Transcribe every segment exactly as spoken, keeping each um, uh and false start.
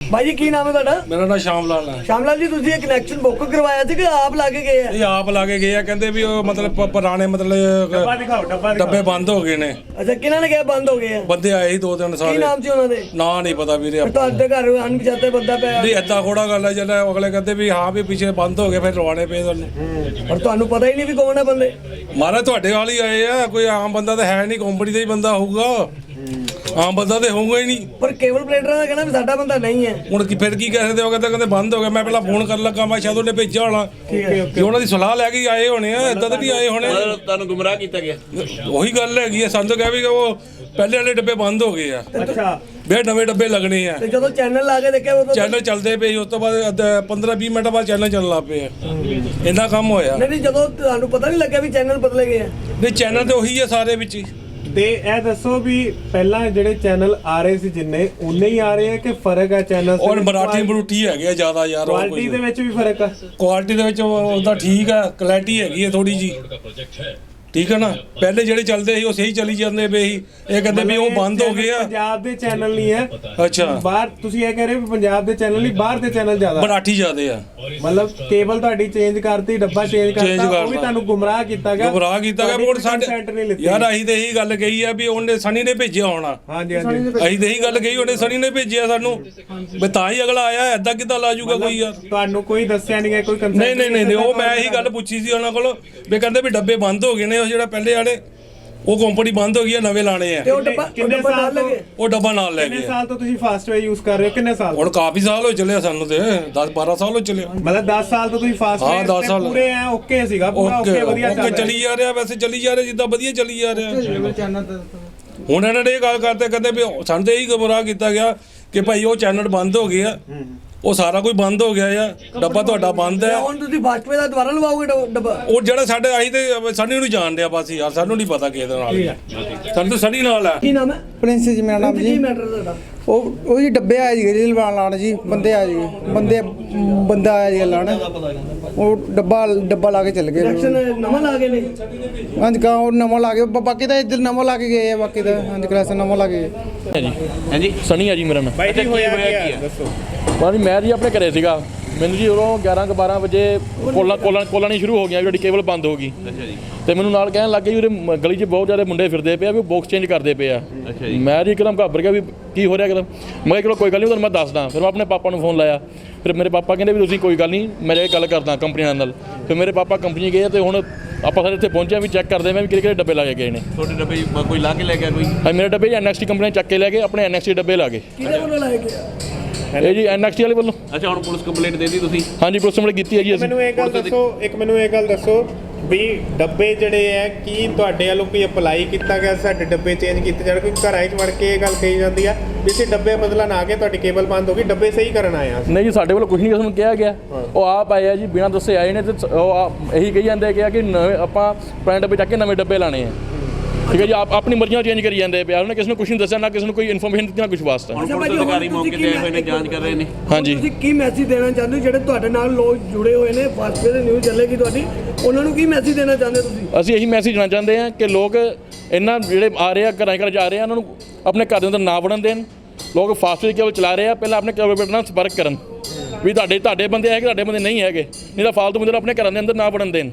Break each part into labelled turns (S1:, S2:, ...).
S1: भाई जी की नाम है ਤੁਹਾਡਾ?
S2: ਮੇਰਾ ਨਾਮ ਸ਼ਾਮ ਲਾਲ ਹੈ।
S1: ਸ਼ਾਮ ਲਾਲ ਜੀ ਤੁਸੀਂ ਇਹ ਕਨੈਕਸ਼ਨ ਬੁੱਕ ਕਰਵਾਇਆ ਸੀ ਕਿ ਆਪ ਲਾ ਕੇ ਗਏ ਆ?
S2: ਇਹ ਆਪ ਲਾ ਕੇ ਗਏ ਆ, ਕਹਿੰਦੇ ਵੀ ਉਹ ਮਤਲਬ ਪ- ਪੁਰਾਣੇ ਮਤਲਬ
S3: ਡੱਬਾ ਦਿਖਾਓ ਡੱਬਾ ਦਿਖਾਓ
S2: ਡੱਬੇ ਬੰਦ ਹੋ ਗਏ ਨੇ।
S1: ਅੱਛਾ ਕਿਹਨਾਂ ਨੇ ਕਿਹਾ ਬੰਦ ਹੋ ਗਏ ਆ?
S2: ਬੰਦੇ ਆਏ ਸੀ ਦੋ ਤਿੰਨ
S1: ਕੀ
S2: ਸਾਰੇ,
S1: ਨਾਮ ਸੀ ਉਹਨਾਂ ਦੇ?
S2: ਨਾਂ ਨਹੀਂ ਪਤਾ ਵੀਰੇ
S1: ਫਿਰ
S2: ਆਪਾਂ
S1: ਤੁਹਾਡੇ ਘਰ ਅਣਪਛਾਤੇ ਬੰਦਾ ਪਿਆ
S2: ਨਹੀਂ। ਏਦਾਂ ਥੋੜਾ ਗੱਲ ਹੈ, ਜਿਹੜਾ ਅਗਲੇ ਕਹਿੰਦੇ ਵੀ ਹਾਂ ਵੀ ਪਿੱਛੇ ਬੰਦ ਹੋ ਗਏ, ਫਿਰ ਰਵਾਣੇ ਪਏ ਤੁਹਾਨੂੰ।
S1: ਪਰ ਤੁਹਾਨੂੰ ਪਤਾ ਹੀ ਨਹੀਂ ਵੀ ਕੌਣ ਹੈ ਬੰਦੇ।
S2: ਮਾਰਾ ਤੁਹਾਡੇ ਵਾਲ ਹੀ ਆਏ ਆ, ਕੋਈ ਆਮ ਬੰਦਾ ਤਾਂ ਹੈ ਨਹੀਂ, ਕੰਪਨੀ ਦਾ ਹੀ ਬੰਦਾ ਹੋਊਗਾ, ਆਮ ਬੰਦਾ ਤੇ ਹੋਊਗਾ ਹੀ ਨਹੀਂ।
S1: ਪਰ ਕੇਬਲ ਪਲੇਟਰਾਂ ਦਾ ਕਹਿਣਾ ਵੀ ਸਾਡਾ ਬੰਦਾ ਨਹੀਂ ਹੈ।
S2: ਹੁਣ ਕੀ ਫਿਰ ਕੀ ਕਹਿ ਸਕਦੇ ਹੋ? ਕਹਿੰਦੇ ਕਹਿੰਦੇ ਬੰਦ ਹੋ ਗਿਆ। ਮੈਂ ਪਹਿਲਾਂ ਫੋਨ ਕਰਨ ਲੱਗਾ, ਮੈਂ ਸ਼ਾਇਦ ਉਹਨੇ ਭੇਜਿਆ ਹੋਣਾ ਕਿ ਉਹਨਾਂ ਦੀ ਸਲਾਹ ਲੈ ਕੇ ਆਏ ਹੋਣੇ ਆ, ਏਦਾਂ ਤਾਂ ਨਹੀਂ ਆਏ ਹੋਣੇ।
S4: ਤੁਹਾਨੂੰ ਗੁੰਮਰਾਹ ਕੀਤਾ ਗਿਆ।
S2: ਉਹੀ ਗੱਲ ਹੈਗੀ ਆ, ਸਾਨੂੰ ਤਾਂ ਕਹਿ ਵੀ ਉਹ ਪਹਿਲੇ ਵਾਲੇ ਡੱਬੇ ਬੰਦ ਹੋ ਗਏ ਆ,
S3: ਅੱਛਾ
S2: ਫਿਰ ਨਵੇਂ ਡੱਬੇ ਲੱਗਣੇ ਆ।
S1: ਤੇ ਜਦੋਂ ਚੈਨਲ ਲਾ ਕੇ ਦੇਖਿਆ ਉਦੋਂ
S2: ਚੈਨਲ ਚੱਲਦੇ ਪਏ, ਉਸ ਤੋਂ ਬਾਅਦ ਪੰਦਰਾਂ ਵੀਹ ਮਿੰਟ ਬਾਅਦ ਚੈਨਲ ਚੱਲਣ ਲੱਗ ਪਏ ਆ। ਇੰਨਾ ਕੰਮ ਹੋਇਆ।
S1: ਨਹੀਂ ਨਹੀਂ ਜਦੋਂ ਤੁਹਾਨੂੰ ਪਤਾ ਨਹੀਂ ਲੱਗਿਆ ਵੀ ਚੈਨਲ ਬਦਲੇ ਗਏ ਆ?
S2: ਨਹੀਂ ਚੈਨਲ ਤੇ ਉਹੀ ਆ ਸਾਰੇ ਵਿੱਚ ਹੀ।
S3: ਤੇ ਇਹ ਦੱਸੋ ਵੀ ਪਹਿਲਾਂ ਜਿਹੜੇ ਚੈਨਲ ਆ ਰਹੇ ਸੀ ਜਿੰਨੇ ਉਨੇ ਹੀ ਆ ਰਹੇ ਆ ਕਿ ਫਰਕ ਹੈ ਚੈਨਲ
S2: ਔਰ ਮਰਾਠੀ ਬਰੂਠੀ ਹੈਗੇ ਆ ਜ਼ਿਆਦਾ ਯਾਰ।
S3: ਕੁਆਲਿਟੀ ਦੇ ਵਿੱਚ ਵੀ ਫਰਕ ਆ?
S2: ਕੁਆਲਿਟੀ ਦੇ ਵਿੱਚ ਉਹਦਾ ਠੀਕ ਆ, ਕੁਆਲਿਟੀ ਹੈਗੀ ਆ ਥੋੜੀ ਜੀ, ਠੀਕ ਹੈ ਨਾ। ਪਹਿਲੇ ਜਿਹੜੇ ਚੱਲਦੇ ਸੀ ਉਹ ਸਹੀ ਚੱਲੀ ਜਾਂਦੇ ਪਏ ਸੀ, ਇਹ ਕਹਿੰਦੇ ਵੀ ਉਹ ਬੰਦ ਹੋ ਗਏ ਆ।
S3: ਪੰਜਾਬ ਦੇ ਚੈਨਲ ਨਹੀਂ ਹੈ,
S2: ਅੱਛਾ
S3: ਬਾਹਰ ਤੁਸੀਂ ਇਹ ਕਹਿ ਰਹੇ ਹੋ ਵੀ ਪੰਜਾਬ ਦੇ ਚੈਨਲ ਨਹੀਂ, ਬਾਹਰ ਦੇ ਚੈਨਲ ਜ਼ਿਆਦਾ।
S2: ਮਰਾਠੀ ਜ਼ਿਆਦੇ ਆ।
S3: ਮਤਲਬ ਕੇਬਲ ਤੁਹਾਡੀ ਚੇਂਜ ਕਰਤੀ, ਡੱਬਾ ਚੇਂਜ
S2: Change
S3: ਕਰਤਾ, ਉਹ
S2: ਕਰਤਾ।
S3: ਵੀ ਤੁਹਾਨੂੰ ਗੁੰਮਰਾਹ ਕੀਤਾ ਗਿਆ।
S2: ਗੁੰਮਰਾਹ ਕੀਤਾ ਗਿਆ।
S3: ਤੁਹਾਡੀ
S2: ਮੋੜ ਸਾਡੇ
S3: consent ਨਹੀਂ ਲਿੱਤੀ।
S2: ਯਾਰ ਅਸੀਂ ਤੇ ਇਹੀ ਗੱਲ ਕਹੀ ਆ ਵੀ ਉਹਨੇ ਸਣੀ ਨੇ ਭੇਜਿਆ ਹੋਣਾ।
S3: ਹਾਂਜੀ ਹਾਂਜੀ
S2: ਅਸੀਂ ਤੇ ਇਹੀ ਗੱਲ ਕਹੀ, ਉਹਨੇ ਸਣੀ ਨੇ ਭੇਜਿਆ ਸਾਨੂੰ ਵੀ ਤਾਂ ਹੀ ਅਗਲਾ ਆਇਆ। ਏਦਾਂ ਕਿੱਦਾਂ ਲਾ ਜੂਗਾ ਕੋਈ ਯਾਰ?
S3: ਤੁਹਾਨੂੰ ਕੋਈ ਦੱਸਿਆ ਨਹੀਂ ਗਿਆ, ਕੋਈ consent
S2: ਨਹੀਂ ਨਹੀਂ ਨਹੀਂ ਨਹੀਂ, ਉਹ ਮੈਂ ਇਹੀ ਗੱਲ ਪੁੱਛੀ ਸੀ ਉਹਨਾਂ ਕੋਲੋਂ ਵੀ ਕਹਿੰਦੇ ਵੀ ਡੱਬੇ ਬੰਦ ਹੋ ਗਏ ਨੇ, ਉਹ ਜਿਹੜਾ ਪਹਿਲੇ ਵਾਲੇ ਉਹ ਕੰਪਨੀ ਬੰਦ ਹੋ ਗਈ ਆ, ਨਵੇਂ ਲਾਣੇ ਆ।
S1: ਤੇ ਉਹ ਡੱਬਾ
S3: ਕਿੰਨੇ
S1: ਡੱਬਾ ਨਾਲ
S3: ਸਾਲ ਤੋਂ-
S1: ਲੱਗੇ?
S2: ਉਹ ਡੱਬਾ ਨਾਲ ਲੈ
S3: ਕਿੰਨੇ
S2: ਗਏ।
S3: ਸਾਲ ਤੋਂ ਤੁਸੀਂ ਫਾਸਟਵੇ ਯੂਜ਼ ਕਰ ਰਹੇ ਹੋ? ਕਿੰਨੇ ਸਾਲ?
S2: ਹੁਣ ਕਾਫੀ ਸਾਲ ਹੋ ਚੱਲੇ ਆ ਸਾਨੂੰ ਤੇ, ਦਸ ਬਾਰਾਂ ਸਾਲ ਹੋ ਚੱਲੇ ਆ।
S3: ਮਤਲਬ ਦਸ ਸਾਲ ਤੋਂ ਤੁਸੀਂ ਫਾਸਟਵੇ
S2: ਹਾਂ, ਦਸ ਸਾਲ।
S3: ਪੂਰੇ ਐ ਓਕੇ ਸੀਗਾ, ਪੂਰਾ
S2: ਓਕੇ
S3: ਓਕੇ ਵਧੀਆ ਚੱਲ
S2: ਓਕੇ
S3: ਰਿਹਾ।
S2: ਚੱਲੀ ਜਾ ਰਿਹਾ, ਵੈਸੇ ਚੱਲੀ ਜਾ ਰਿਹਾ ਜਿੱਦਾਂ ਵਧੀਆ ਚੱਲੀ ਜਾ ਰਿਹਾ। ਹੁਣ ਇਹਨਾਂ ਨੇ ਇਹ ਗੱਲ ਕਰਦੇ ਕਹਿੰਦੇ ਵੀ ਸਾਨੂੰ ਤੇ ਇਹੀ ਗੁੰਮਰਾਹ ਕੀਤਾ ਗਿਆ ਕਿ ਭਾਈ ਉਹ ਚੈਨਲ ਬੰਦ ਹੋ ਗਏ ਆ, ਉਹ ਸਾਰਾ ਕੁਝ ਬੰਦ ਹੋ ਗਿਆ ਆ, ਡੱਬਾ ਤੁਹਾਡਾ ਬੰਦ ਹੈ।
S1: ਹੁਣ ਤੁਸੀਂ ਫਾਸਟਵੇ ਦਾ ਦੁਬਾਰਾ ਲਵਾਓਗੇ ਡ- ਡੱਬਾ?
S2: ਉਹ ਜਿਹੜਾ ਸਾਡੇ ਆਈ ਤੇ ਸਨੀ ਨੂੰ ਜਾਣਦੇ ਆ ਬਸ ਯਾਰ, ਸਾਨੂੰ ਨਹੀਂ ਪਤਾ ਕਿਹਦੇ ਨਾਲ ਆ। ਸਾਨੂੰ ਤਾਂ ਸਨੀ ਨਾਲ ਆ।
S1: ਕੀ ਨਾਮ ਹੈ?
S5: ਪ੍ਰਿੰਸ ਜੀ ਮੇਰਾ ਨਾਮ
S1: ਕੀ
S5: ਜੀ।
S1: ਮੈਟਰ ਤੁਹਾਡਾ?
S5: ਉਹ ਉਹ ਜੀ ਡੱਬੇ ਆਏ ਜੀ ਰੀਲ ਬਣਾ ਲਾਣ ਜੀ, ਬੰਦੇ ਆ ਜੀ, ਬੰਦੇ ਬੰਦਾ ਆਇਆ ਜੀ ਲਾਣ, ਉਹ ਡੱਬਾ ਡੱਬਾ ਲਾ ਕੇ ਚੱਲ ਗਏ।
S1: ਕਨੈਕਸ਼ਨ ਨਵਾਂ ਲਾ ਗਏ ਨੇ?
S5: ਹਾਂਜੀ ਕਾ ਉਹ ਨਵਾਂ ਲਾ ਕੇ ਬਾ- ਬਾਕੀ ਤਾਂ ਇੱਧਰ ਨਵਾਂ ਲਾ ਕੇ ਗਏ ਆ, ਬਾਕੀ ਤਾਂ ਹਾਂਜੀ ਕਲਾਸ ਨਵਾਂ ਲਾ ਕੇ ਗਏ।
S6: ਹੈ ਜੀ
S4: ਹਾਂਜੀ
S6: ਸਣੀ ਆ ਜੀ ਮੇਰਾ ਨਾਮ।
S3: ਬਾਈ ਜੀ ਹੋਇਆ
S4: ਹੋਇਆ
S3: ਕੀ
S4: ਕੀ
S3: ਆ
S4: ਆ?
S3: ਦੱਸੋ।
S6: ਬਾਅਦ ਮੈਂ ਜੀ ਆਪਣੇ ਘਰੇ ਸੀਗਾ, ਮੈਨੂੰ ਜੀ ਉਦੋਂ ਗਿਆਰਾਂ ਕੁ ਬਾਰਾਂ ਵਜੇ ਕੋਲਾਂ ਕੋਲਾਂ ਕੋਲਾਂ ਨਹੀਂ ਸ਼ੁਰੂ ਹੋ ਗਈਆਂ, ਜਿਹੜੀ ਕੇਬਲ ਬੰਦ ਹੋ ਗਈ।
S4: ਅੱਛਾ ਜੀ
S6: ਤੇ ਮੈਨੂੰ ਨਾਲ ਕਹਿਣ ਲੱਗ ਗਏ ਵੀ ਉਰੇ ਮ- ਗਲੀ 'ਚ ਬਹੁਤ ਜ਼ਿਆਦਾ ਮੁੰਡੇ ਫਿਰਦੇ ਪਏ ਆ, ਵੀ ਉਹ ਬਾਕਸ ਚੇਂਜ ਕਰਦੇ ਪਏ ਆ।
S4: ਅੱਛਾ ਜੀ
S6: ਮੈਂ ਜੀ ਇੱਕਦਮ ਘਾਬਰ ਗਿਆ ਵੀ ਕੀ ਹੋ ਰਿਹਾ ਇੱਕਦਮ। ਮੈਂ ਕਿਹਾ ਚਲੋ ਕੋਈ ਗੱਲ ਨਹੀਂ, ਤੁਹਾਨੂੰ ਮੈਂ ਦੱਸਦਾ। ਫਿਰ ਮੈਂ ਆਪਣੇ ਪਾਪਾ ਨੂੰ ਫੋਨ ਲਾਇਆ, ਫਿਰ ਮੇਰੇ ਪਾਪਾ ਕਹਿੰਦੇ ਵੀ ਤੁਸੀਂ ਕੋਈ ਗੱਲ ਨਹੀਂ, ਮੈਂ ਜਾ ਕੇ ਗੱਲ ਕਰਦਾ ਕੰਪਨੀ ਨਾਲ। ਫਿਰ ਮੇਰੇ ਪਾਪਾ ਕੰਪਨੀ ਗਏ ਤੇ ਹੁਣ ਆਪਾਂ ਸਾਰੇ ਇੱਥੇ ਪਹੁੰਚੇ ਵੀ ਚੈੱਕ ਕਰਦੇ ਮੈਂ ਵੀ ਕਿਹੜੇ ਕਿਹੜੇ ਡੱਬੇ ਲਾ ਕੇ ਗਏ ਨੇ।
S4: ਤੁਹਾਡੇ ਡੱਬੇ ਬ- ਕੋਈ ਲਾ ਕੇ ਲੈ ਗਿਆ ਕੋਈ?
S6: ਹਾਂ ਮੇਰੇ ਡੱਬੇ ਐਨ ਐਕਸ ਟੀ ਕੰਪਨੀ ਚੱਕ ਕੇ ਲੈ ਗਏ, ਆਪਣੇ ਐਨ ਐਕਸ ਟੀ ਡੱਬੇ ਲਾ ਗਏ।
S1: ਕਿਹਦੇ ਵੱਲੋਂ ਲਾਏ ਗਏ?
S6: ਇਹ ਜੀ ਐਨ ਐਕਸ ਟੀ ਵਾਲੇ ਵੱਲੋਂ।
S4: ਅੱਛਾ ਹੁਣ ਪੁਲਿਸ ਕੰਪਲੇਂਟ ਦੇ ਦਿੱਤੀ ਤੁਸੀਂ?
S6: ਹਾਂਜੀ ਪੁਲਿਸ ਨੇ ਕੀਤੀ ਹੈ ਜੀ ਅਸੀਂ।
S3: ਮੈਨੂੰ ਇਹ ਗੱਲ ਦੱਸੋ, ਇੱਕ ਮੈਨੂੰ ਇਹ ਗੱਲ ਦੱਸੋ ਵੀ ਡੱਬੇ ਜਿਹੜੇ ਆ ਕੀ ਤੁਹਾਡੇ ਵੱਲੋਂ ਕੋਈ ਅਪਲਾਈ ਕੀਤਾ ਗਿਆ ਸਾਡੇ ਡੱਬੇ ਚੇਂਜ ਕੀਤੇ ਜਾਣ? ਕੋਈ ਘਰਾਂ 'ਚ ਵੜ ਕੇ ਇਹ ਗੱਲ ਕਹੀ ਜਾਂਦੀ ਆ ਵੀ ਅਸੀਂ ਡੱਬੇ ਬਦਲਣ ਆ ਗਏ, ਤੁਹਾਡੀ ਕੇਬਲ ਬੰਦ ਹੋ ਗਈ, ਡੱਬੇ ਸਹੀ ਕਰਨ ਆਏ ਆ।
S6: ਨਹੀਂ ਜੀ ਸਾਡੇ ਵੱਲੋਂ ਕੁਝ ਨਹੀਂ ਕਿਸੇ ਨੂੰ ਕਿਹਾ ਗਿਆ, ਉਹ ਆਪ ਆਏ ਆ ਜੀ ਬਿਨਾਂ ਦੱਸੇ ਆਏ ਨੇ, ਤੇ ਉਹ ਆਪ ਇਹੀ ਕਹੀ ਜਾਂਦੇ ਕਿ ਕਿ ਨਵੇਂ ਆਪਾਂ ਪੁਰਾਣੇ ਡੱਬੇ ਚੱਕ ਕੇ ਨਵੇਂ ਡੱਬੇ ਲਾਣੇ ਆ। ਠੀਕ ਹੈ ਜੀ, ਆਪ ਆਪਣੀ ਮਰਜ਼ੀ ਨਾਲ ਚੇਂਜ ਕਰੀ ਜਾਂਦੇ ਪਿਆ, ਉਹਨੇ ਕਿਸੇ ਨੂੰ ਕੁਝ ਨਹੀਂ ਦੱਸਿਆ, ਨਾ ਕਿਸੇ ਨੂੰ ਕੋਈ ਇਨਫੋਰਮੇਸ਼ਨ ਦਿੱਤੀ, ਨਾ ਕੁਝ ਵਾਸਤਾ।
S4: ਹੁਣ ਪੁਲਿਸ ਅਧਿਕਾਰੀ ਮੌਕੇ ਤੇ ਆਏ ਹੋਏ ਨੇ, ਜਾਂਚ ਕਰ ਰਹੇ ਨੇ।
S6: ਹਾਂਜੀ
S1: ਤੁਸੀਂ ਕੀ ਮੈਸੇਜ ਦੇਣਾ ਚਾਹੁੰਦੇ ਹੋ ਜਿਹੜੇ ਤੁਹਾਡੇ ਨਾਲ ਲੋਕ ਜੁੜੇ ਹੋਏ ਨੇ, ਫਾਸਟਵੇ ਦੇ ਨਿਊਜ਼ ਚੱਲੇਗੀ ਤੁਹਾਡੀ, ਉਹਨਾਂ ਨੂੰ ਕੀ ਮੈਸੇਜ ਦੇਣਾ ਚਾਹੁੰਦੇ ਹੋ ਤੁਸੀਂ?
S6: ਅਸੀਂ ਇਹੀ ਮੈਸੇਜ ਦੇਣਾ ਚਾਹੁੰਦੇ ਹਾਂ ਕਿ ਲੋਕ ਇਹਨਾਂ ਜਿਹੜੇ ਆ ਰਹੇ ਆ ਘਰਾਂ ਘਰ ਜਾ ਰਹੇ ਆ, ਉਹਨਾਂ ਨੂੰ ਆਪਣੇ ਘਰ ਦੇ ਅੰਦਰ ਨਾ ਵੜਨ ਦੇਣ। ਲੋਕ ਫਾਸਟਵੇ ਕੇਬਲ ਚਲਾ ਰਹੇ ਆ, ਪਹਿਲਾਂ ਆਪਣੇ ਕਾਰਪੋਰੇਟਰ ਨਾਲ ਸੰਪਰਕ ਕਰਨ ਵੀ ਤੁਹਾਡੇ ਤੁਹਾਡੇ ਬੰਦੇ ਹੈਗੇ, ਤੁਹਾਡੇ ਬੰਦੇ ਨਹੀਂ ਹੈਗੇ, ਨਹੀਂ ਤਾਂ ਫਾਲਤੂ ਬੰਦੇ ਨੂੰ ਆਪਣੇ ਘਰਾਂ ਦੇ ਅੰਦਰ ਨਾ ਵੜਨ ਦੇਣ।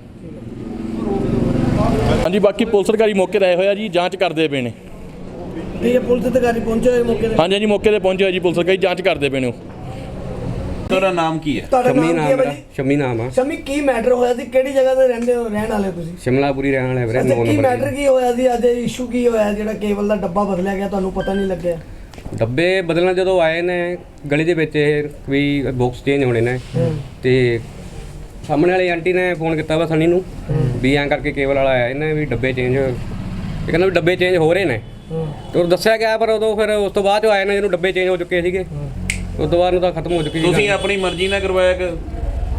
S6: ਹਾਂਜੀ ਬਾਕੀ ਪੁਲਿਸ ਅਧਿਕਾਰੀ ਮੌਕੇ 'ਤੇ ਆਏ ਹੋਏ ਆ ਜੀ, ਜਾਂਚ ਕਰਦੇ ਪਏ ਨੇ।
S1: ਠੀਕ ਹੈ, ਪੁਲਿਸ ਅਧਿਕਾਰੀ ਪਹੁੰਚੇ ਹੋਏ ਮੌਕੇ ਤੇ?
S6: ਹਾਂਜੀ ਹਾਂਜੀ ਮੌਕੇ 'ਤੇ ਪਹੁੰਚੇ ਹੋਏ ਜੀ, ਪੁਲਿਸ ਅਧਿਕਾਰੀ ਜਾਂਚ ਕਰਦੇ ਪਏ ਨੇ।
S4: ਤੁਹਾਡਾ ਨਾਮ ਕੀ ਹੈ?
S1: ਤੁਹਾਡਾ
S7: ਸ਼ਮੀ
S1: ਨਾਮ ਕੀ
S7: ਨਾਮ
S1: ਹੈ
S7: ਮੇਰਾ,
S1: ਭਾਜੀ?
S7: ਸ਼ਮੀ ਨਾਮ ਆ।
S1: ਸ਼ਮੀ ਕੀ ਮੈਟਰ ਹੋਇਆ ਸੀ? ਕਿਹੜੀ ਜਗ੍ਹਾ ਤੇ ਰਹਿੰਦੇ ਹੋ, ਰਹਿਣ ਵਾਲੇ ਹੋ ਤੁਸੀਂ?
S7: ਸ਼ਿਮਲਾਪੁਰੀ ਰਹਿਣ ਵਾਲੇ ਵੀਰੇ,
S1: ਅੱਛਾ,
S7: ਨੌ
S1: ਕੀ
S7: ਨੰਬਰ
S1: ਮੈਟਰ ਕੀ ਹੋਇਆ ਸੀ ਅੱਜ? ਇਸ਼ੂ ਕੀ ਹੋਇਆ ਜਿਹੜਾ ਕੇਬਲ ਦਾ ਡੱਬਾ ਬਦਲਿਆ ਗਿਆ, ਤੁਹਾਨੂੰ ਪਤਾ ਨਹੀਂ ਲੱਗਿਆ?
S7: ਡੱਬੇ ਬਦਲਣ ਜਦੋਂ ਆਏ ਨੇ ਗਲੀ ਦੇ ਵਿੱਚ, ਇਹ ਵੀ ਬਾਕਸ ਚੇਂਜ ਹੋਣੇ ਨੇ, ਤੇ ਸਾਹਮਣੇ ਵਾਲੀ ਆਂਟੀ ਨੇ ਫੋਨ ਕੀਤਾ ਵਾ ਸਨੀ ਨੂੰ ਵੀ ਐਂ ਕਰਕੇ ਕੇਬਲ ਵਾਲਾ ਆਇਆ, ਇਹਨੇ ਵੀ ਡੱਬੇ ਚੇਂਜ, ਇਹ ਕਹਿੰਦਾ ਵੀ ਡੱਬੇ ਚੇਂਜ ਹੋ ਰਹੇ ਨੇ। ਤੇ ਉਹ ਦੱਸਿਆ ਗਿਆ, ਪਰ ਉਦੋਂ ਫਿਰ ਉਸ ਤੋਂ ਬਾਅਦ ਚ ਆਏ ਨੇ ਜਿਹਨੂੰ ਡੱਬੇ ਚੇਂਜ ਹੋ ਚੁੱਕੇ ਸੀਗੇ, ਉਸ ਤੋਂ ਬਾਅਦ ਨੂੰ ਤਾਂ ਖਤਮ ਹੋ ਚੁੱਕੀ ਸੀ।
S4: ਤੁਸੀਂ ਆਪਣੀ ਮਰਜ਼ੀ ਨਾਲ ਕਰਵਾਇਆ ਕਿ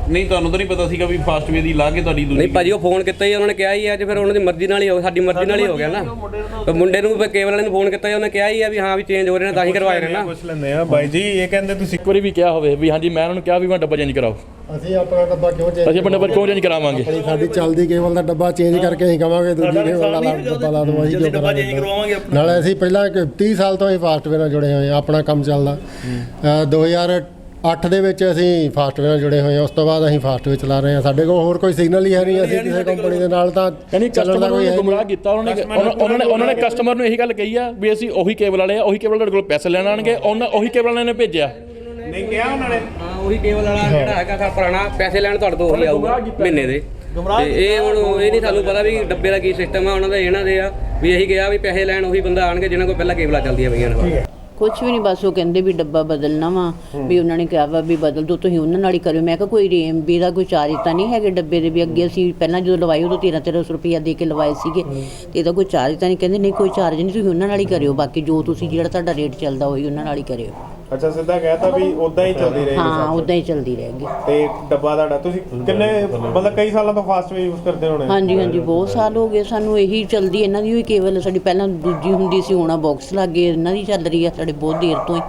S4: ਨਹੀਂ ਤੁਹਾਨੂੰ ਤਾਂ ਨਹੀਂ ਪਤਾ ਸੀਗਾ ਵੀ ਫਾਸਟਵੇ ਦੀ ਲਾ ਕੇ ਤੁਹਾਡੀ ਦੂਜੀ
S7: ਨਹੀਂ ਭਾਜੀ ਉਹ ਫੋਨ ਕੀਤਾ ਹੀ ਉਹਨਾਂ ਨੇ ਕਿਹਾ ਹੀ ਆ, ਅੱਜ ਫਿਰ ਉਹਨਾਂ ਦੀ ਮਰਜ਼ੀ ਨਾਲ ਹੀ ਹੋ ਸਾਡੀ ਮਰਜ਼ੀ ਨਾਲ ਹੀ ਹੋ ਗਿਆ ਨਾ। ਤੇ ਮੁੰਡੇ ਨੂੰ ਫਿਰ ਕੇਬਲ ਵਾਲੇ ਨੂੰ ਫੋਨ ਕੀਤਾ, ਉਹਨੇ ਕਿਹਾ ਹੀ ਆ ਵੀ ਹਾਂ ਵੀ ਚੇਂਜ ਹੋ ਰਹੇ ਨੇ ਤਾਂ ਹੀ ਕਰਵਾਏ ਨੇ ਨਾ।
S3: ਪੁੱਛ ਲੈਂਦੇ ਆ ਬਾਈ ਜੀ, ਇਹ ਕਹਿੰਦੇ ਤੁਸੀਂ
S6: ਇੱਕ ਵਾਰੀ ਵੀ ਕਿਹਾ ਹੋਵੇ ਵੀ ਹਾਂਜੀ ਮੈਂ ਉਹਨਾਂ ਨੂੰ ਕਿਹਾ ਵੀ ਮੈਂ ਡੱਬਾ ਚੇਂਜ ਕਰਾਓ,
S8: ਅਸੀਂ ਆਪਣਾ ਡੱਬਾ ਕਿਉਂ ਚੇਂਜ
S6: ਅਸੀਂ ਆਪਣਾ ਡੱਬਾ ਕਿਉਂ ਚੇਂਜ ਕਰਾਵਾਂਗੇ?
S8: ਆਪਣੀ ਸਾਡੀ ਚੱਲਦੀ ਕੇਬਲ ਦਾ ਡੱਬਾ ਚੇਂਜ ਕਰਕੇ ਅਸੀਂ ਕਹਾਂਗੇ ਦੂਜੀ ਕੇਬਲ ਦਾ ਡੱਬਾ ਲਾ ਦਵਾਂ, ਅਸੀਂ ਕਿਉਂ ਕਰਾਂਗੇ? ਨਾਲੇ ਅਸੀਂ ਪਹਿਲਾਂ ਤੀਹ ਸਾਲ ਤੋਂ ਅਸੀਂ ਫਾਸਟਵੇਅਰ ਨਾਲ ਜੁੜੇ ਹੋਏ ਹਾਂ, ਆਪਣਾ ਕੰਮ ਚੱਲਦਾ। ਅ, ਦੋ ਹਜ਼ਾਰ ਅੱਠ ਦੇ ਵਿੱਚ ਅਸੀਂ ਫਾਸਟਵੇਅਰ ਨਾਲ ਜੁੜੇ ਹੋਏ ਹਾਂ, ਉਸ ਤੋਂ ਬਾਅਦ ਅਸੀਂ ਫਾਸਟਵੇਅਰ ਚਲਾ ਰਹੇ ਹਾਂ। ਸਾਡੇ ਕੋਲ ਹੋਰ ਕੋਈ ਸਿਗਨਲ ਹੀ ਹੈ ਨਹੀਂ, ਅਸੀਂ ਕਿਸੇ ਕੰਪਨੀ ਦੇ ਨਾਲ ਤਾਂ
S6: ਯਾਨੀ ਕਸਟਮਰ ਨੂੰ ਗੁੰਮਰਾਹ ਕੀਤਾ ਉਹਨਾਂ ਨੇ। ਉਹਨਾਂ ਨੇ ਉਹਨਾਂ ਨੇ ਕਸਟਮਰ ਨੂੰ ਇਹੀ ਗੱਲ ਕਹੀ ਆ ਵੀ ਅਸੀਂ ਉਹੀ ਕੇਬਲ ਵਾਲੇ ਆ, ਉਹੀ ਕੇਬਲ ਤੁਹਾਡੇ ਕੋਲ ਪੈਸੇ ਲੈਣ ਆਣਗੇ, ਉਹਨਾਂ ਉਹੀ ਕੇਬਲ ਵਾਲਿਆਂ ਨੇ ਭੇਜਿਆ।
S3: ਨਹੀਂ ਕਿਹਾ ਉਹਨਾਂ ਨੇ?
S7: ਹਾਂ ਉਹੀ ਕੇਬਲ ਵਾਲਾ ਜਿਹੜਾ ਹੈਗਾ ਸਾ ਪੁਰਾਣਾ, ਪੈਸੇ ਲੈਣ ਤੁਹਾਡੇ ਤੋਂ ਉਹੀ ਆਊਗਾ ਮਹੀਨੇ ਦੇ। ਤੇ ਇਹ ਹੁਣ ਇਹ ਨਹੀਂ ਸਾਨੂੰ ਪਤਾ ਵੀ ਡੱਬੇ ਦਾ ਕੀ ਸਿਸਟਮ ਆ ਉਹਨਾਂ ਦਾ, ਇਹਨਾਂ ਦੇ ਆ ਵੀ ਇਹੀ ਗਿਆ ਵੀ ਪੈਸੇ ਲੈਣ ਉਹੀ ਬੰਦਾ ਆਣਗੇ ਜਿਹਨਾਂ ਕੋਲ ਪਹਿਲਾਂ ਕੇਬਲਾਂ ਚੱਲਦੀਆਂ ਪਈਆਂ ਨੇ।
S9: ਕੁਛ ਵੀ ਨਹੀਂ, ਬਸ ਉਹ ਕਹਿੰਦੇ ਵੀ ਡੱਬਾ ਬਦਲਣਾ ਵਾ, ਵੀ ਉਹਨਾਂ ਨੇ ਕਿਹਾ ਵਾ ਵੀ ਬਦਲ ਦੋ, ਤੁਸੀਂ ਉਹਨਾਂ ਨਾਲ ਹੀ ਕਰਿਓ। ਮੈਂ ਕਿਹਾ ਕੋਈ ਰੇਮਬੀ ਦਾ ਕੋਈ ਚਾਰਜ ਤਾਂ ਨਹੀਂ ਹੈਗੇ ਡੱਬੇ ਦੇ ਵੀ? ਅੱਗੇ ਅਸੀਂ ਪਹਿਲਾਂ ਜਦੋਂ ਲਵਾਏ ਉਦੋਂ ਤੇਰ੍ਹਾਂ ਤੇਰ੍ਹਾਂ ਸੌ ਰੁਪਈਆ ਦੇ ਕੇ ਲਵਾਏ ਸੀਗੇ, ਤੇ ਇਹਦਾ ਕੋਈ ਚਾਰਜ ਤਾਂ ਨਹੀਂ? ਕਹਿੰਦੇ ਨਹੀਂ ਕੋਈ ਚਾਰਜ ਨਹੀਂ, ਤੁਸੀਂ ਉਹਨਾਂ ਨਾਲ ਹੀ ਕਰਿਓ, ਬਾਕੀ ਜੋ ਤੁਸੀਂ ਜਿਹੜਾ ਤੁਹਾਡਾ ਰੇਟ ਚੱਲਦਾ ਉਹੀ ਉਹਨਾਂ ਨਾਲ ਹੀ ਕਰਿਓ।
S3: ਅੱਛਾ, ਸਿੱਧਾ ਕਹਿਤਾ ਵੀ ਉਦਾਂ ਹੀ ਚੱਲਦੀ ਰਹੇਗੀ?
S9: ਹਾਂ ਉਦਾਂ ਹੀ ਚੱਲਦੀ ਰਹੇਗੀ।
S3: ਤੇ ਡੱਬਾ ਤੁਹਾਡਾ ਤੁਸੀਂ ਕਿੰਨੇ ਮਤਲਬ ਕਈ ਸਾਲਾਂ ਤੋਂ ਫਾਸਟਵੇ ਯੂਜ਼ ਕਰਦੇ ਹੋਣੇ?
S9: ਹਾਂਜੀ ਹਾਂਜੀ ਬਹੁਤ ਸਾਲ ਹੋ ਗਏ ਸਾਨੂੰ ਇਹੀ ਚੱਲਦੀ, ਇਹਨਾਂ ਦੀ ਹੋਈ ਕੇਬਲ ਸਾਡੀ ਪਹਿਲਾਂ ਦੂਜੀ ਹੁੰਦੀ ਸੀ, ਹੁਣ ਬਾਕਸ ਲੱਗ ਗਏ, ਇਹਨਾਂ ਦੀ ਚੱਲ ਰਹੀ ਆ ਸਾਡੇ ਬਹੁਤ ਦੇਰ ਤੋਂ ਹੀ।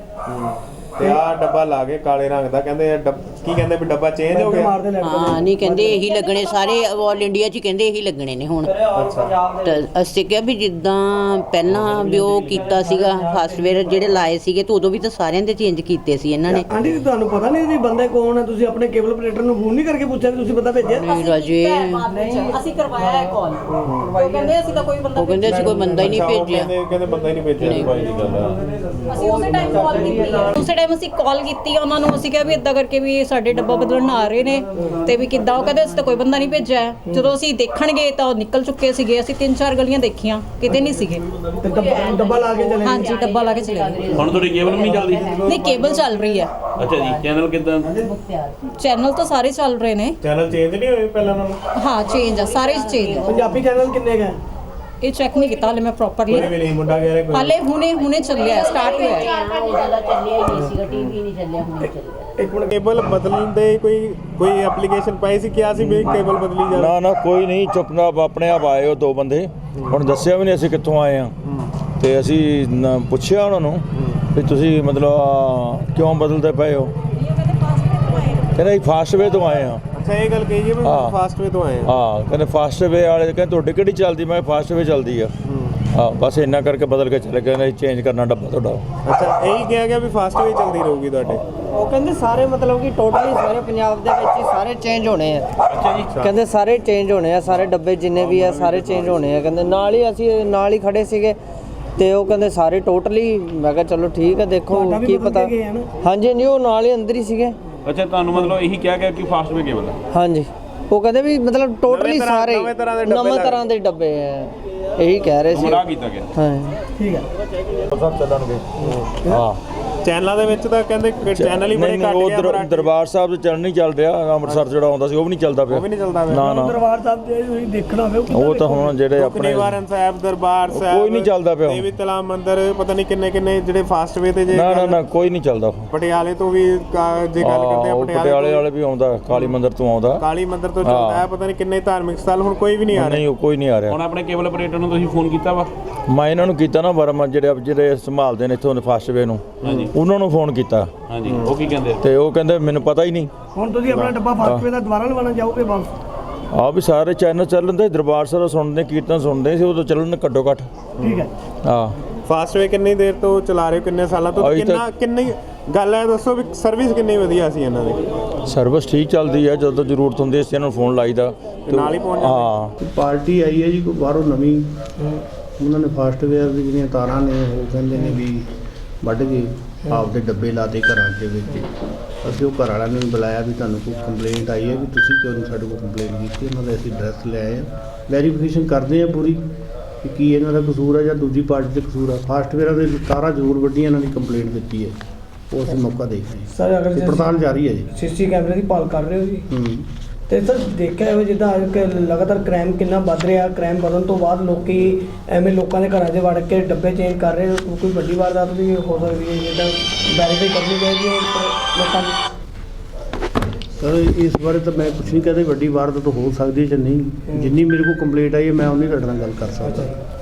S3: ਤੇ ਆਹ ਡੱਬਾ ਲਾ ਕੇ ਕਾਲੇ ਰੰਗ ਦਾ ਕਹਿੰਦੇ ਆ ਡੱਬ- ਕੀ ਕਹਿੰਦੇ ਵੀ ਡੱਬਾ ਚੇਂਜ ਹੋ ਗਿਆ?
S9: ਹਾਂ ਨਹੀਂ ਕਹਿੰਦੇ ਇਹੀ ਲੱਗਣੇ ਸਾਰੇ ਆਲ ਇੰਡੀਆ 'ਚ, ਕਹਿੰਦੇ ਇਹੀ ਲੱਗਣੇ ਨੇ ਹੁਣ। ਤਾਂ ਅਸੀਂ ਕਿਹਾ ਵੀ ਜਿੱਦਾਂ ਪਹਿਲਾਂ ਵੀ ਉਹ ਕੀਤਾ ਸੀਗਾ ਫਾਸਟਵੇਅਰ ਜਿਹੜੇ ਲਾਏ ਸੀਗੇ, ਤੇ ਉਦੋਂ ਵੀ ਤਾਂ ਸਾਰਿਆਂ ਦੇ ਚੇਂਜ ਕੀਤੇ ਸੀ ਇਹਨਾਂ ਨੇ।
S1: ਆਂਟੀ ਤੁਹਾਨੂੰ ਪਤਾ ਨਹੀਂ ਵੀ ਬੰਦੇ ਕੌਣ ਹੈ? ਤੁਸੀਂ ਆਪਣੇ ਕੇਬਲ ਆਪਰੇਟਰ ਨੂੰ ਫੋਨ ਨਹੀਂ ਕਰਕੇ ਪੁੱਛਿਆ ਵੀ ਤੁਸੀਂ ਬੰਦਾ ਭੇਜਿਆ?
S9: ਨਹੀਂ ਰਾਜੇ,
S10: ਅਸੀਂ ਕਰਵਾਇਆ ਹੈ ਕਾਲ, ਉਹ ਕਹਿੰਦੇ ਅਸੀਂ ਤਾਂ ਕੋਈ ਬੰਦਾ
S9: ਉਹ ਕਹਿੰਦੇ ਅਸੀਂ ਕੋਈ ਬੰਦਾ ਹੀ ਨਹੀਂ
S3: ਅੱਛਾ, ਉਹ
S9: ਭੇਜਿਆ।
S3: ਕਹਿੰਦੇ ਕਹਿੰਦੇ ਬੰਦਾ ਹੀ ਨਹੀਂ ਭੇਜਿਆ। ਬਾਈ ਦੀ ਗੱਲ ਆ।
S10: ਅਸੀਂ ਉਸੇ ਟਾਈਮ ਕਾਲ ਕੀਤੀ ਹੈ, ਉਸੇ ਟਾਈਮ ਅਸੀਂ ਕਾਲ ਕੀਤੀ ਉਹਨਾਂ ਨੂੰ, ਅਸੀਂ ਕਿਹਾ ਵੀ ਇਦਾਂ ਕਰਕੇ ਵੀ ਸਾਡੇ ਡੱਬਾ ਬਦਲਣ ਆ ਰਹੇ ਨੇ ਤੇ ਵੀ ਕਿੱਦਾਂ। ਉਹ ਕਹਿੰਦੇ ਅਸੀਂ ਤਾਂ ਕੋਈ ਬੰਦਾ ਨਹੀਂ ਭੇਜਿਆ। ਜਦੋਂ ਅਸੀਂ ਦੇਖਣਗੇ ਤਾਂ ਉਹ ਨਿਕਲ ਚੁੱਕੇ ਸੀਗੇ, ਅਸੀਂ ਤਿੰਨ ਚਾਰ ਗਲੀਆਂ ਦੇਖੀਆਂ, ਕਿਤੇ ਨਹੀਂ ਸੀਗੇ।
S1: ਤੇ ਡੱਬਾ- ਡੱਬਾ ਲਾ ਕੇ ਚਲੇ?
S10: ਹਾਂਜੀ ਡੱਬਾ ਲਾ ਕੇ ਚਲੇ ਗਏ।
S4: ਹੁਣ ਤੁਹਾਡੀ ਕੇਬਲ ਨਹੀਂ ਚੱਲਦੀ?
S10: ਨਹੀਂ ਕੇਬਲ ਚੱਲ ਰਹੀ ਹੈ।
S4: ਅੱਛਾ ਜੀ, ਚੈਨਲ ਕਿੱਦਾਂ?
S10: ਚੈਨਲ ਤਾਂ ਸਾਰੇ ਚੱਲ ਰਹੇ ਨੇ।
S3: ਚੈਨਲ ਚੇਂਜ ਨਹੀਂ ਹੋਏ ਪਹਿਲਾਂ ਨਾਲੋਂ?
S10: ਹਾਂ ਚੇਂਜ ਆ, ਸਾਰੇ ਚੇਂਜ ਆ।
S1: ਪੰਜਾਬੀ ਚੈਨਲ ਕਿੰਨੇ ਗਏ?
S10: ਇਹ ਚੈੱਕ ਨਹੀਂ ਕੀਤਾ ਹਲੇ ਮੈਂ ਪ੍ਰੋਪਰਲੀ,
S3: ਕੋਈ ਵੀ ਨਹੀਂ, ਮੁੰਡਾ ਕਹਿ ਰਿਹਾ ਕੋਈ।
S10: ਹਾਲੇ ਹੁਣੇ ਹੁਣੇ ਚੱਲਿਆ, ਸਟਾਰਟ ਹੋਇਆ ਹੈ।
S9: ਚੱਲਿਆ ਹੀ ਨਹੀਂ ਸੀਗਾ, ਟੀਵੀ ਨਹੀਂ ਚੱਲਿਆ, ਹੁਣ ਚੱਲਿਆ।
S3: ਇੱਕ ਮਿੰਟ, ਕੇਬਲ ਬਦਲਣ ਦੇ ਕੋਈ ਕੋਈ ਐਪਲੀਕੇਸ਼ਨ ਪਾਈ ਸੀ? ਕਿਹਾ ਸੀ ਵੀ ਕੇਬਲ ਬਦਲੀ ਜਾਵੇ?
S11: ਨਾ ਨਾ ਕੋਈ ਨਹੀਂ, ਚੁੱਪਨਾਪ ਆਪਣੇ ਆਪ ਆਏ ਉਹ ਦੋ ਬੰਦੇ, ਹੁਣ ਦੱਸਿਆ ਵੀ ਨਹੀਂ ਅਸੀਂ ਕਿੱਥੋਂ ਆਏ ਆ। ਤੇ ਅਸੀਂ ਨਾ ਪੁੱਛਿਆ ਉਹਨਾਂ ਨੂੰ ਵੀ ਤੁਸੀਂ ਮਤਲਬ ਆਹ, ਕਿਉਂ ਬਦਲਦੇ ਪਏ ਹੋ? ਕਹਿੰਦੇ ਫਾਸਟਵੇ ਤੋਂ ਆਏ ਆ।
S3: ਅੱਛਾ, ਇਹ ਗੱਲ ਕਹੀ ਹੈ ਵੀ
S11: ਹਾਂ।
S3: ਫਾਸਟਵੇ ਤੋਂ ਆਏ ਆ।
S11: ਹਾਂ ਕਹਿੰਦੇ ਫਾਸਟਵੇ ਵਾਲੇ ਕਹਿੰਦੇ ਤੁਹਾਡੀ ਕਿਹੜੀ ਚੱਲਦੀ? ਮੈਂ ਫਾਸਟਵੇ ਚੱਲਦੀ ਆ। ਹਾਂ ਬਸ ਇੰਨਾ ਕਰਕੇ ਬਦਲ ਕੇ ਚਲੇ ਗਏ ਨੇ, ਚੇਂਜ ਕਰਨਾ ਡੱਬਾ ਤੁਹਾਡਾ।
S3: ਅੱਛਾ, ਇਹੀ ਕਿਹਾ ਗਿਆ ਵੀ ਫਾਸਟਵੇ ਚੱਲਦੀ ਰਹੂਗੀ ਤੁਹਾਡੇ?
S5: ਉਹ ਕਹਿੰਦੇ ਸਾਰੇ ਮਤਲਬ ਕਿ ਟੋਟਲੀ ਸਾਰੇ ਪੰਜਾਬ ਦੇ ਵਿੱਚ ਹੀ ਸਾਰੇ ਚੇਂਜ ਹੋਣੇ ਆ।
S3: ਅੱਛਾ ਜੀ।
S5: ਕਹਿੰਦੇ ਸਾਰੇ ਚੇਂਜ ਹੋਣੇ ਆ, ਸਾਰੇ ਡੱਬੇ ਜਿੰਨੇ ਵੀ ਆ ਸਾਰੇ ਚੇਂਜ ਹੋਣੇ ਆ। ਕਹਿੰਦੇ ਨਾਲ ਹੀ ਅਸੀਂ ਨਾਲ ਹੀ ਖੜੇ ਸੀਗੇ, ਤੇ ਉਹ ਕਹਿੰਦੇ ਸਾਰੇ ਟੋਟਲੀ। ਮੈਂ ਕਿਹਾ ਚਲੋ ਠੀਕ ਹੈ, ਦੇਖੋ ਕੀ ਪਤਾ। ਹਾਂਜੀ ਹਾਂਜੀ, ਉਹ ਨਾਲ ਹੀ ਅੰਦਰ ਹੀ ਸੀਗੇ।
S4: ਅੱਛਾ, ਤੁਹਾਨੂੰ ਮਤਲਬ ਇਹੀ ਕਿਹਾ ਗਿਆ ਕਿ ਫਾਸਟਵੇ ਕੇਬਲ ਹੈ?
S5: ਹਾਂਜੀ, ਉਹ ਕਹਿੰਦੇ ਵੀ ਮਤਲਬ ਟੋਟਲੀ
S3: ਤਰ੍ਹਾਂ-
S5: ਸਾਰੇ
S3: ਨਵੇਂ ਤਰ੍ਹਾਂ ਦੇ ਡੱਬੇ
S5: ਨਵੇਂ
S3: ਲੱਗ-
S5: ਤਰ੍ਹਾਂ ਦੇ ਡੱਬੇ ਆ, ਇਹੀ ਕਹਿ ਰਹੇ ਸੀ।
S4: ਗੁੰਮਰਾਹ ਕੀਤਾ ਗਿਆ।
S5: ਹਾਂ
S1: ਠੀਕ ਹੈ।
S11: ਸਭ ਚੱਲਣਗੇ। ਹਾਂ
S3: ਚੈਨਲਾਂ ਦੇ ਵਿੱਚ ਤਾਂ ਕਹਿੰਦੇ ਕਿ ਚੈਨਲ ਹੀ ਬੜੇ
S11: ਨਹੀਂ
S3: ਘੱਟ
S11: ਉਹ
S3: ਗਿਆ।
S11: ਦਰ-
S3: ਮਰਾਠੀ-
S11: ਦਰਬਾਰ ਸਾਹਿਬ ਚ ਚੱਲ ਨਹੀਂ ਚੱਲ ਰਿਹਾ, ਅੰਮ੍ਰਿਤਸਰ ਜਿਹੜਾ ਆਉਂਦਾ ਸੀ ਉਹ ਵੀ ਨਹੀਂ ਚੱਲਦਾ ਪਿਆ।
S3: ਉਹ ਵੀ ਨਹੀਂ ਚੱਲਦਾ ਪਿਆ।
S11: ਨਾ ਨਾ,
S1: ਦਰਬਾਰ ਸਾਹਿਬ ਦੇ ਤੁਸੀਂ ਦੇਖਣਾ ਹੋਵੇ
S11: ਉਹ ਤਾਂ ਹੁਣ ਜਿਹੜੇ ਆਪਣੇ
S3: ਨਿਵਾਰਨ ਸਾਹਿਬ, ਦਰਬਾਰ ਸਾਹਿਬ,
S11: ਕੋਈ ਨਹੀਂ ਚੱਲਦਾ ਪਿਆ।
S3: ਦੇਵੀ ਤਲਾ ਮੰਦਿਰ, ਪਤਾ ਨਹੀਂ ਕਿੰਨੇ ਕਿੰਨੇ ਜਿਹੜੇ ਫਾਸਟਵੇ ਤੇ ਜੇ
S11: ਨਾ ਨਾ
S3: ਗੱਲ-
S11: ਨਾ ਕੋਈ ਨਹੀਂ ਚੱਲਦਾ।
S3: ਪਟਿਆਲੇ ਤੋਂ ਵੀ ਕਾ- ਜੇ ਗੱਲ ਕਰਦੇ ਆ
S11: ਉਹ
S3: ਪਟਿਆਲੇ
S11: ਪਟਿਆਲੇ
S3: ਤੋਂ-
S11: ਵਾਲੇ ਵੀ ਆਉਂਦਾ, ਕਾਲੀ ਮੰਦਿਰ ਤੋਂ ਆਉਂਦਾ।
S3: ਕਾਲੀ ਮੰਦਿਰ ਤੋਂ ਚੱਲਦਾ ਹੈ, ਪਤਾ ਨਹੀਂ ਕਿੰਨੇ ਧਾਰਮਿਕ ਸਥਲ, ਹੁਣ ਕੋਈ ਵੀ ਨਹੀਂ ਆ ਰਿਹਾ।
S11: ਨਹੀਂ ਉਹ ਕੋਈ ਨਹੀਂ ਆ ਰਿਹਾ।
S4: ਹੁਣ ਆਪਣੇ ਕੇਬਲ ਆਪਰੇਟਰ ਨੂੰ ਤੁਸੀਂ ਫੋਨ ਕੀਤਾ ਵਾ?
S11: ਮੈਂ ਇਹਨਾਂ ਨੂੰ ਕੀਤਾ ਨਾ, ਵਰਮਾ ਜਿਹੜੇ ਜਿਹੜੇ ਸੰਭਾਲਦੇ ਨੇ ਇੱਥੋਂ ਫਾਸਟਵੇ ਨੂੰ, ਉਹਨਾਂ ਨੂੰ ਫੋਨ ਕੀਤਾ।
S4: ਹਾਂਜੀ, ਉਹ ਕੀ ਕਹਿੰਦੇ?
S11: ਤੇ ਉਹ ਕਹਿੰਦੇ ਮੈਨੂੰ ਪਤਾ ਹੀ ਨਹੀਂ।
S1: ਹੁਣ ਤੁਸੀਂ ਆਪਣਾ ਡੱਬਾ ਫਾਸਟਵੇ ਦਾ ਦੁਬਾਰਾ ਲਵਾਉਣਾ ਚਾਹੋਗੇ ਵਾਪਸ?
S11: ਆ ਵੀ ਸਾਰੇ ਚੈਨਲ ਚੱਲਦੇ, ਦਰਬਾਰ ਸਾਹਿਬ ਸੁਣਦੇ, ਕੀਰਤਨ ਸੁਣਦੇ ਸੀ, ਉਦੋਂ ਚੱਲਣ ਘੱਟੋ ਘੱਟ।
S1: ਠੀਕ ਹੈ।
S11: ਹਾਂ
S3: ਫਾਸਟਵੇ ਕਿੰਨੀ ਦੇਰ ਤੋਂ ਚਲਾ ਰਹੇ ਹੋ, ਕਿੰਨੇ ਸਾਲਾਂ ਤੋਂ?
S11: ਅਜੇ ਤੱਕ-
S3: ਕਿੰਨਾ ਕਿੰਨੀ ਗੱਲ ਹੈ ਦੱਸੋ ਵੀ ਸਰਵਿਸ ਕਿੰਨੀ ਵਧੀਆ ਸੀ ਇਹਨਾਂ ਦੀ?
S11: ਸਰਵਿਸ ਠੀਕ ਚੱਲਦੀ ਹੈ, ਜਦੋਂ ਜ਼ਰੂਰਤ ਹੁੰਦੀ ਹੈ ਅਸੀਂ ਇਹਨਾਂ ਨੂੰ ਫੋਨ ਲਾਈਦਾ
S3: ਤੇ ਨਾਲ ਹੀ ਪਹੁੰਚ ਜਾਂਦੇ?
S11: ਹਾਂ।
S8: ਪਾਰਟੀ ਆਈ ਹੈ ਜੀ ਕੋਈ ਬਾਹਰੋਂ ਨਵੀਂ, ਉਹਨਾਂ ਨੇ ਫਾਸਟਵੇਅਰ ਦੀ ਜਿਹੜੀਆਂ ਤਾਰਾਂ ਨੇ ਉਹ ਕਹਿੰਦੇ ਨੇ ਵੀ ਵੱਢ ਕੇ ਆਪਦੇ ਡੱਬੇ ਲਾਤੇ ਘਰਾਂ ਦੇ ਵਿੱਚ। ਅਸੀਂ ਉਹ ਘਰ ਵਾਲਿਆਂ ਨੂੰ ਵੀ ਬੁਲਾਇਆ ਵੀ ਤੁਹਾਨੂੰ ਕੋਈ ਕੰਪਲੇਂਟ ਆਈ ਹੈ ਵੀ ਤੁਸੀਂ ਕਿਉਂ ਨਹੀਂ ਸਾਡੇ ਕੋਲ ਕੰਪਲੇਂਟ ਕੀਤੀ? ਉਹਨਾਂ ਦਾ ਅਸੀਂ ਐਡਰੈਸ ਲੈ ਆਏ ਹਾਂ, ਵੈਰੀਫਿਕੇਸ਼ਨ ਕਰਦੇ ਹਾਂ ਪੂਰੀ ਕਿ ਕੀ ਇਹਨਾਂ ਦਾ ਕਸੂਰ ਹੈ ਜਾਂ ਦੂਜੀ ਪਾਰਟੀ ਦਾ ਕਸੂਰ ਹੈ। ਫਾਸਟਵੇਅਰਾਂ ਦੇ ਤਾਰਾਂ ਜ਼ਰੂਰ ਵੱਡੀਆਂ ਇਹਨਾਂ ਦੀ ਕੰਪਲੇਂਟ ਦਿੱਤੀ ਹੈ, ਉਹ ਅਸੀਂ ਮੌਕਾ ਦੇਖ ਰਹੇ ਹਾਂ।
S1: ਸਰ ਅਗਰ
S8: ਇਹ ਪੜਤਾਲ ਜਾਰੀ ਹੈ ਜੀ।
S1: ਸੀਸੀ ਕੈਮਰੇ ਦੀ ਭਾਲ ਕਰ ਰਹੇ ਹੋ ਜੀ?
S8: ਹੂੰ।
S1: ਤੇ ਸਰ ਦੇਖਿਆ ਹੋਵੇ ਜਿੱਦਾਂ ਅੱਜ ਕੱਲ੍ਹ ਲਗਾਤਾਰ ਕ੍ਰਾਈਮ ਕਿੰਨਾ ਵੱਧ ਰਿਹਾ, ਕ੍ਰਾਈਮ ਵਧਣ ਤੋਂ ਬਾਅਦ ਲੋਕੀ ਐਵੇਂ ਲੋਕਾਂ ਦੇ ਘਰਾਂ 'ਚ ਵੜ ਕੇ ਡੱਬੇ ਚੇਂਜ ਕਰ ਰਹੇ, ਕੋਈ ਵੱਡੀ ਵਾਰਦਾਤ ਵੀ ਹੋ ਸਕਦੀ ਹੈ, ਜਿੱਦਾਂ ਵੈਰੀਫਾਈ ਕਰਨੀ ਚਾਹੀਦੀ ਹੈ ਲੋਕਾਂ ਦੀ।
S8: ਸਰ ਇਸ ਬਾਰੇ ਤਾਂ ਮੈਂ ਕੁਛ ਨਹੀਂ ਕਹਦਾ, ਵੱਡੀ ਵਾਰਦਾਤ ਹੋ ਸਕਦੀ ਹੈ ਜਾਂ ਨਹੀਂ। ਜਿੰਨੀ ਮੇਰੇ ਕੋਲ ਕੰਪਲੇਂਟ ਆਈ ਹੈ ਮੈਂ ਉਨੀ ਤੁਹਾਡੇ ਨਾਲ ਗੱਲ ਕਰ ਸਕਦਾ।